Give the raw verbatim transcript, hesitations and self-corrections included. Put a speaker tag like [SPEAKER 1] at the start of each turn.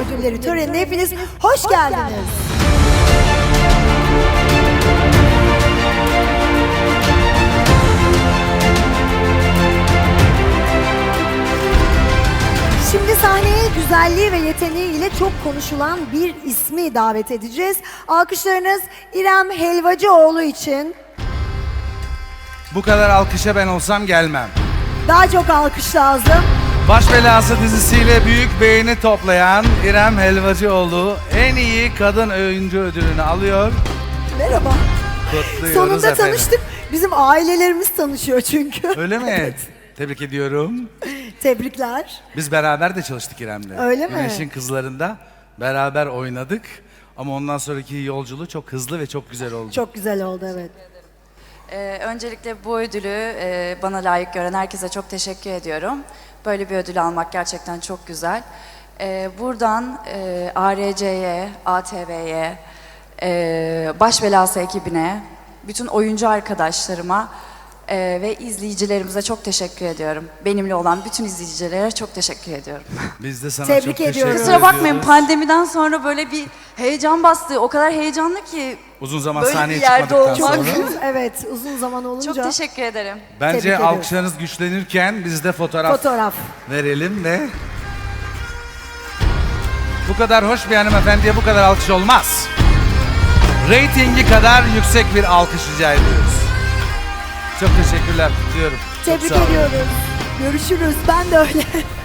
[SPEAKER 1] ödülleri törenine hepiniz hoş geldiniz. Şimdi sahneye güzelliği ve yeteneğiyle çok konuşulan bir ismi davet edeceğiz. Alkışlarınız İrem Helvacıoğlu için.
[SPEAKER 2] Bu kadar alkışa ben olsam gelmem.
[SPEAKER 1] Daha çok alkış lazım.
[SPEAKER 2] Baş Belası dizisiyle büyük beğeni toplayan İrem Helvacıoğlu en iyi kadın oyuncu ödülünü alıyor.
[SPEAKER 1] Merhaba.
[SPEAKER 2] Kutluyoruz
[SPEAKER 1] Sonunda
[SPEAKER 2] efendim.
[SPEAKER 1] tanıştık. Bizim ailelerimiz tanışıyor çünkü.
[SPEAKER 2] Öyle mi? Tebrik ediyorum.
[SPEAKER 1] Tebrikler.
[SPEAKER 2] Biz beraber de çalıştık İrem'le.
[SPEAKER 1] Öyle mi?
[SPEAKER 2] Güneş'in Kızları'nda beraber oynadık. Ama ondan sonraki yolculuğu çok hızlı ve çok güzel oldu.
[SPEAKER 1] Çok güzel oldu, evet.
[SPEAKER 3] Ee, öncelikle bu ödülü e, bana layık gören herkese çok teşekkür ediyorum. Böyle bir ödül almak gerçekten çok güzel. Ee, buradan e, A R C'ye, A T V'ye, e, Baş Belası ekibine, bütün oyuncu arkadaşlarıma e, ve izleyicilerimize çok teşekkür ediyorum. Benimle olan bütün izleyicilere çok teşekkür ediyorum.
[SPEAKER 2] Biz de sana
[SPEAKER 1] Tebrik
[SPEAKER 2] çok teşekkür
[SPEAKER 1] ediyoruz.
[SPEAKER 2] ediyoruz.
[SPEAKER 3] Kusura bakmayın, pandemiden sonra böyle bir heyecan bastı. O kadar heyecanlı ki.
[SPEAKER 2] Uzun zaman
[SPEAKER 3] Böyle
[SPEAKER 2] sahneye
[SPEAKER 3] bir yerde
[SPEAKER 2] çıkmadıktan
[SPEAKER 3] olmak.
[SPEAKER 2] sonra.
[SPEAKER 1] Uzun, evet, uzun zaman olunca.
[SPEAKER 3] Çok teşekkür ederim.
[SPEAKER 2] Bence
[SPEAKER 1] Tebrik ediyoruz.
[SPEAKER 2] alkışlarınız güçlenirken biz de fotoğraf,
[SPEAKER 1] Fotoğraf.
[SPEAKER 2] verelim ve bu kadar hoş bir hanımefendiye bu kadar alkış olmaz. Reytingi kadar yüksek bir alkış rica ediyoruz. Çok teşekkürler, kutluyorum. Çok
[SPEAKER 1] Tebrik
[SPEAKER 2] sağ olun.
[SPEAKER 1] ediyoruz. Görüşürüz. Ben de öyle.